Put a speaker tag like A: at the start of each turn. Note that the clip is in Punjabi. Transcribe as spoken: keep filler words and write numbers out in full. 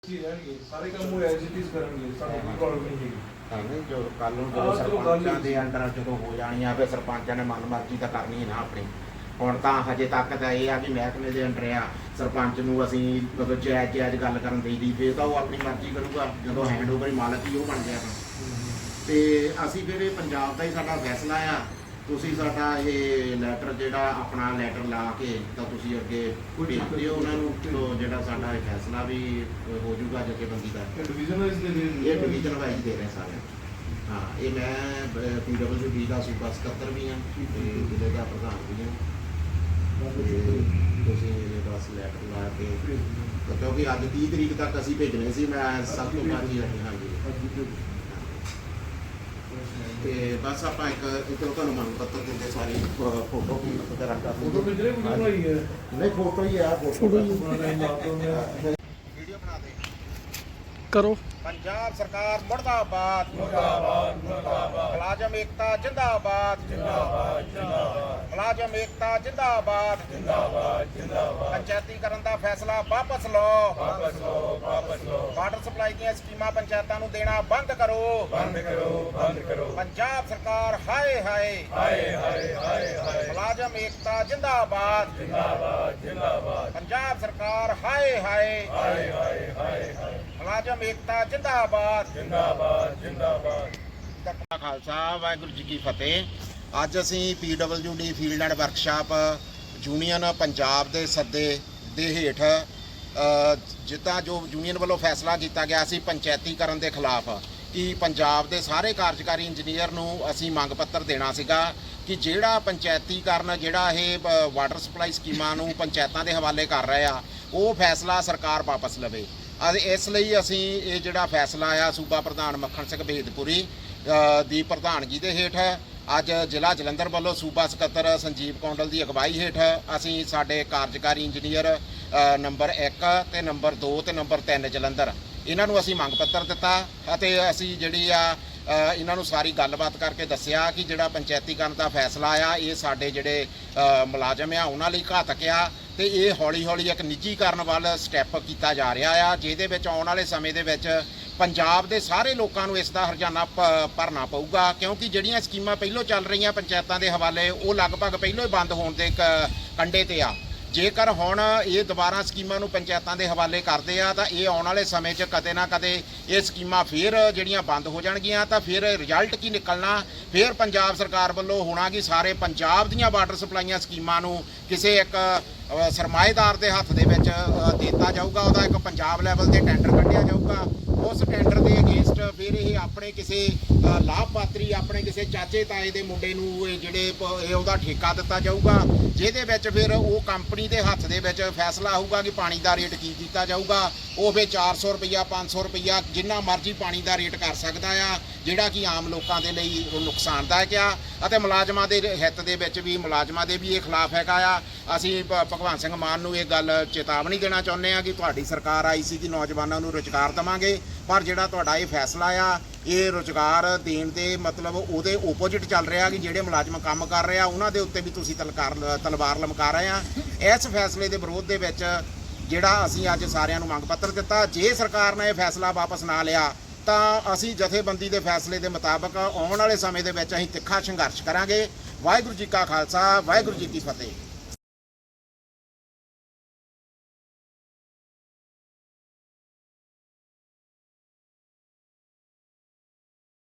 A: ਸਾਰੇ ਕੰਮ ਉਹ ਐਜੀਟੀਜ਼ ਕਰਨਗੇ, ਸਾਨੂੰ ਕੋਈ ਪ੍ਰੋਬਲਮ ਨਹੀਂ ਹੈਗੀ।
B: ਹਾਂ ਨਹੀਂ ਜੋ ਕੱਲ ਨੂੰ ਜਦੋਂ ਸਰਪੰਚਾਂ ਦੇ ਅੰਡਰ ਜਦੋਂ ਹੋ ਜਾਣੀਆਂ ਫਿਰ ਸਰਪੰਚਾਂ ਨੇ ਮਨਮਰਜ਼ੀ ਤਾਂ ਕਰਨੀ ਨਾ ਆਪਣੀ। ਹੁਣ ਤਾਂ ਹਜੇ ਤੱਕ ਤਾਂ ਇਹ ਆ ਕਿ ਮਹਿਕਮੇ ਦੇ ਅੰਡਰ ਆ, ਸਰਪੰਚ ਨੂੰ ਅਸੀਂ ਮਤਲਬ ਜਾਇਜ਼ ਜਾਇਜ਼ ਗੱਲ ਕਰਨ ਦੇਈ ਦੀ, ਫਿਰ ਤਾਂ ਉਹ ਆਪਣੀ ਮਰਜ਼ੀ ਕਰੂਗਾ। ਜਦੋਂ ਹੈਂਡਓਵਰ ਹੀ ਮਾਲਕ ਹੀ ਉਹ ਬਣ ਗਿਆ ਤਾਂ ਤੇ ਅਸੀਂ ਫਿਰ ਇਹ ਪੰਜਾਬ ਦਾ ਹੀ ਸਾਡਾ ਫੈਸਲਾ ਆ। ਤੁਸੀਂ ਸਾਡਾ ਇਹ ਲੈਟਰ ਜਿਹੜਾ ਆਪਣਾ ਲੈਟਰ ਲਾ ਕੇ ਤਾਂ ਤੁਸੀਂ ਅੱਗੇ ਭੇਜ ਦਿਓ ਉਹਨਾਂ ਨੂੰ, ਤੋਂ ਜਿਹੜਾ ਸਾਡਾ ਇਹ ਫੈਸਲਾ ਵੀ ਹੋ ਜਾਊਗਾ ਜਥੇਬੰਦੀ ਦਾ।
A: ਡਿਵੀਜ਼ਨ ਵਾਈਜ਼ ਦੇ ਦੇ
B: ਇਹ ਡਿਵੀਜ਼ਨ ਵਾਈਜ਼ ਦੇ ਰਹੇ ਸਾਰੇ। ਹਾਂ ਇਹ ਮੈਂ ਪੀ ਡਬਲਯੂ ਡੀ ਦਾ ਸੂਬਾ ਸਕੱਤਰ ਵੀ ਹਾਂ ਤੇ ਜ਼ਿਲ੍ਹੇ ਦਾ ਪ੍ਰਧਾਨ ਵੀ ਹਾਂ। ਤੁਸੀਂ ਬਸ ਲੈਟਰ ਲਾ ਕੇ, ਕਿਉਂਕਿ ਅੱਜ ਤੀਹ ਤਰੀਕ ਤੱਕ ਅਸੀਂ ਭੇਜਣੇ ਸੀ, ਮੈਂ ਸਭ ਤੋਂ ਬਾਅਦ ਹੀ ਹਾਂਜੀ। ਤੇ ਬਸ ਆਪਾਂ ਇੱਕ ਇੱਕ ਤੁਹਾਨੂੰ ਮੰਗ ਪੱਤਰ ਦਿੰਦੇ ਸਾਰੀ ਫੋਟੋ ਵਗੈਰਾ ਕਰ ਦਿੰਦੇ।
A: ਫੋਟੋ ਭੇਜ ਰਹੇ ਕੋਈ ਬਣਾਈ ਹੈ?
B: ਨਹੀਂ ਫੋਟੋ ਹੀ ਆ, ਫੋਟੋ ਹੀ
A: ਵੀਡੀਓ
B: ਬਣਾ ਦੇ
C: ਕਰੋ।
B: ਪੰਜਾਬ ਸਰਕਾਰ ਮੁਰਦਾਬਾਦ ਮੁਰਦਾਬਾਦ ਮੁਰਦਾਬਾਦ। ਮੁਲਾਜ਼ਮ ਏਕਤਾ ਜਿੰਦਾਬਾਦ ਜਿੰਦਾਬਾਦ ਜਿੰਦਾਬਾਦ। ਮੁਲਾਜ਼ਮ ਏਕਤਾ ਜਿੰਦਾਬਾਦ ਜਿੰਦਾਬਾਦ ਜਿੰਦਾਬਾਦ। ਪੰਚਾਇਤੀਕਰਨ ਦਾ ਫੈਸਲਾ ਵਾਪਸ ਲਓ ਵਾਪਸ ਲਓ ਵਾਪਸ ਲਓ। ਵਾਟਰ ਸਪਲਾਈ ਦੀਆਂ ਸਕੀਮਾਂ ਪੰਚਾਇਤਾਂ ਨੂੰ ਦੇਣਾ ਬੰਦ ਕਰੋ ਬੰਦ ਕਰੋ ਬੰਦ ਕਰੋ। ਪੰਜਾਬ ਸਰਕਾਰ ਹਾਏ ਹਾਏ ਹਾਏ ਹਾਏ ਹਾਏ ਹਾਏ। ਮੁਲਾਜ਼ਮ ਏਕਤਾ ਜਿੰਦਾਬਾਦ ਜਿੰਦਾਬਾਦ ਜਿੰਦਾਬਾਦ। ਪੰਜਾਬ ਸਰਕਾਰ ਹਾਏ ਹਾਏ ਹਾਏ ਹਾਏ ਹਾਏ ਹਾਏ। ਮੁਲਾਜ਼ਮ ਏਕਤਾ ਜਿੰਦਾਬਾਦ ਜਿੰਦਾਬਾਦ ਜਿੰਦਾਬਾਦ। ਖਾਲਸਾ ਵਾਹਿਗੁਰੂ ਜੀ ਕੀ ਫਤਿਹ। ਅੱਜ ਅਸੀਂ P W D field and workshop union Punjab ਦੇ ਸੱਦੇ ਦੇ ਹੇਠ ਜਿੱਦਾਂ ਜੋ ਯੂਨੀਅਨ ਵੱਲੋਂ ਫੈਸਲਾ ਕੀਤਾ ਗਿਆ ਸੀ ਪੰਚਾਇਤੀਕਰਨ ਦੇ ਖਿਲਾਫ, ਕਿ ਪੰਜਾਬ ਦੇ ਸਾਰੇ ਕਾਰਜਕਾਰੀ ਇੰਜੀਨੀਅਰ ਨੂੰ ਅਸੀਂ ਮੰਗ ਪੱਤਰ ਦੇਣਾ ਸੀਗਾ ਕਿ ਜਿਹੜਾ ਪੰਚਾਇਤੀਕਰਨ ਜਿਹੜਾ ਇਹ ਵਾਟਰ ਸਪਲਾਈ ਸਕੀਮਾਂ ਨੂੰ ਪੰਚਾਇਤਾਂ ਦੇ ਹਵਾਲੇ ਕਰ ਰਹੇ ਆ, ਉਹ ਫੈਸਲਾ ਸਰਕਾਰ ਵਾਪਸ ਲਵੇ। ਇਸ ਲਈ ਅਸੀਂ ਇਹ ਜਿਹੜਾ ਫੈਸਲਾ ਆ ਸੂਬਾ ਪ੍ਰਧਾਨ ਮੱਖਣ ਸਿੰਘ ਬੇਦਪੁਰੀ ਦੀ ਪ੍ਰਧਾਨਗੀ ਦੇ ਹੇਠ ਅੱਜ ਜ਼ਿਲ੍ਹਾ ਜਲੰਧਰ ਵੱਲੋਂ ਸੂਬਾ ਸਕੱਤਰ ਸੰਜੀਵ ਕੌਂਡਲ ਦੀ ਅਗਵਾਈ ਹੇਠ ਅਸੀਂ ਸਾਡੇ ਕਾਰਜਕਾਰੀ ਇੰਜੀਨੀਅਰ ਨੰਬਰ ਇੱਕ ਤੇ ਨੰਬਰ ਦੋ ਤੇ ਨੰਬਰ ਤਿੰਨ ਜਲੰਧਰ, ਇਹਨਾਂ ਨੂੰ ਅਸੀਂ ਮੰਗ ਪੱਤਰ ਦਿੱਤਾ ਅਤੇ ਅਸੀਂ ਜਿਹੜੀ ਆ ਇਹਨਾਂ ਨੂੰ ਸਾਰੀ ਗੱਲਬਾਤ ਕਰਕੇ ਦੱਸਿਆ ਕਿ ਜਿਹੜਾ ਪੰਚਾਇਤੀਕਰਨ ਦਾ ਫੈਸਲਾ ਆ ਇਹ ਸਾਡੇ ਜਿਹੜੇ ਮੁਲਾਜ਼ਮ ਆ ਉਹਨਾਂ ਲਈ ਘਾਤਕ ਆ ਤੇ ਇਹ ਹੌਲੀ ਹੌਲੀ ਇੱਕ ਨਿੱਜੀਕਰਨ ਵੱਲ ਸਟੈਪ ਕੀਤਾ ਜਾ ਰਿਹਾ ਆ, ਜਿਹਦੇ ਵਿੱਚ ਆਉਣ ਵਾਲੇ ਸਮੇਂ ਦੇ ਵਿੱਚ ਪੰਜਾਬ ਦੇ ਸਾਰੇ ਲੋਕਾਂ ਨੂੰ ਇਸ ਦਾ ਹਰਜਾਨਾ ਭਰਨਾ ਪਊਗਾ। ਕਿਉਂਕਿ ਜਿਹੜੀਆਂ ਸਕੀਮਾਂ ਪਹਿਲਾਂ ਚੱਲ ਰਹੀਆਂ ਪੰਚਾਇਤਾਂ ਦੇ ਹਵਾਲੇ ਉਹ ਲਗਭਗ ਪਹਿਲਾਂ ਹੀ ਬੰਦ ਹੋਣ ਦੇ ਕੰਢੇ ਤੇ ਆ। ਜੇਕਰ ਹੁਣ ਇਹ ਦੁਬਾਰਾ ਸਕੀਮਾਂ ਨੂੰ ਪੰਚਾਇਤਾਂ ਦੇ ਹਵਾਲੇ ਕਰਦੇ ਆ ਤਾਂ ਇਹ ਆਉਣ ਵਾਲੇ ਸਮੇਂ 'ਚ ਕਦੇ ਨਾ ਕਦੇ ਇਹ ਸਕੀਮਾਂ ਫੇਰ ਜਿਹੜੀਆਂ ਬੰਦ ਹੋ ਜਾਣਗੀਆਂ ਤਾਂ ਫਿਰ ਰਿਜ਼ਲਟ ਕੀ ਨਿਕਲਣਾ, ਫਿਰ ਪੰਜਾਬ ਸਰਕਾਰ ਵੱਲੋਂ ਹੋਣਾ ਕਿ ਸਾਰੇ ਪੰਜਾਬ ਦੀਆਂ ਵਾਟਰ ਸਪਲਾਈਆਂ ਸਕੀਮਾਂ ਨੂੰ ਕਿਸੇ ਇੱਕ ਸਰਮਾਏਦਾਰ ਦੇ ਹੱਥ ਦੇ ਵਿੱਚ ਦਿੱਤਾ ਜਾਊਗਾ, ਉਹਦਾ ਇੱਕ ਪੰਜਾਬ ਲੈਵਲ ਤੇ ਟੈਂਡਰ ਕੱਢਿਆ ਜਾਊਗਾ। ਉਸ ਟੈਂਡਰ ਦੇ ਅਗੇਂਸਟ ਫਿਰ ਇਹ ਆਪਣੇ ਕਿਸੇ ਲਾਭਪਾਤਰੀ ਆਪਣੇ ਕਿਸੇ ਚਾਚੇ ਤਾਏ ਦੇ ਮੁੰਡੇ ਨੂੰ ਇਹ ਜਿਹੜੇ ਇਹ ਉਹਦਾ ਠੇਕਾ ਦਿੱਤਾ ਜਾਊਗਾ, ਜਿਹਦੇ ਵਿੱਚ ਫਿਰ ਉਹ ਕੰਪਨੀ ਦੇ ਹੱਥ ਦੇ ਵਿੱਚ ਫੈਸਲਾ ਹੋਊਗਾ ਕਿ ਪਾਣੀ ਦਾ ਰੇਟ ਕੀ ਕੀਤਾ ਜਾਊਗਾ। ਉਹ ਫਿਰ ਚਾਰ ਸੌ ਰੁਪਈਆ ਪੰਜ ਸੌ ਰੁਪਈਆ ਜਿੰਨਾ ਮਰਜ਼ੀ ਪਾਣੀ ਦਾ ਰੇਟ ਕਰ ਸਕਦਾ ਆ, ਜਿਹੜਾ ਕਿ ਆਮ ਲੋਕਾਂ ਦੇ ਲਈ ਨੁਕਸਾਨਦਾਇਕ ਆ ਅਤੇ ਮੁਲਾਜ਼ਮਾਂ ਦੇ ਹਿੱਤ ਦੇ ਵਿੱਚ ਵੀ ਮੁਲਾਜ਼ਮਾਂ ਦੇ ਵੀ ਇਹ ਖਿਲਾਫ ਹੈਗਾ ਆ। ਅਸੀਂ ਭਗਵੰਤ ਸਿੰਘ ਮਾਨ ਨੂੰ ਇਹ ਗੱਲ ਚੇਤਾਵਨੀ ਦੇਣਾ ਚਾਹੁੰਦੇ ਹਾਂ ਕਿ ਤੁਹਾਡੀ ਸਰਕਾਰ ਆਈ ਸੀ ਕਿ ਨੌਜਵਾਨਾਂ ਨੂੰ ਰੁਜ਼ਗਾਰ ਦੇਵਾਂਗੇ, ਪਰ ਜਿਹੜਾ ਤੁਹਾਡਾ ਇਹ ਫੈਸਲਾ ਆ ਇਹ ਰੁਜ਼ਗਾਰ ਦੇਣ ਦੇ ਮਤਲਬ ਉਹਦੇ ਓਪੋਜਿਟ ਚੱਲ ਰਿਹਾ ਕਿ ਜਿਹੜੇ ਮੁਲਾਜ਼ਮ ਕੰਮ ਕਰ ਰਹੇ ਆ ਉਹਨਾਂ ਦੇ ਉੱਤੇ ਵੀ ਤੁਸੀਂ ਤਲਕਾਰ ਤਲਵਾਰ ਲਮਕਾ ਰਹੇ ਆ। ਇਸ ਫੈਸਲੇ ਦੇ ਵਿਰੋਧ ਦੇ ਵਿੱਚ ਜਿਹੜਾ ਅਸੀਂ ਅੱਜ ਸਾਰਿਆਂ ਨੂੰ ਮੰਗ ਪੱਤਰ ਦਿੱਤਾ, ਜੇ ਸਰਕਾਰ ਨੇ ਇਹ ਫੈਸਲਾ ਵਾਪਸ ਨਾ ਲਿਆ ਤਾਂ ਅਸੀਂ ਜਥੇਬੰਦੀ ਦੇ ਫੈਸਲੇ ਦੇ ਮੁਤਾਬਕ ਆਉਣ ਵਾਲੇ ਸਮੇਂ ਦੇ ਵਿੱਚ ਅਸੀਂ ਤਿੱਖਾ ਸੰਘਰਸ਼ ਕਰਾਂਗੇ। ਵਾਹਿਗੁਰੂ ਜੀ ਕਾ ਖਾਲਸਾ ਵਾਹਿਗੁਰੂ ਜੀ ਕੀ ਫਤਿਹ।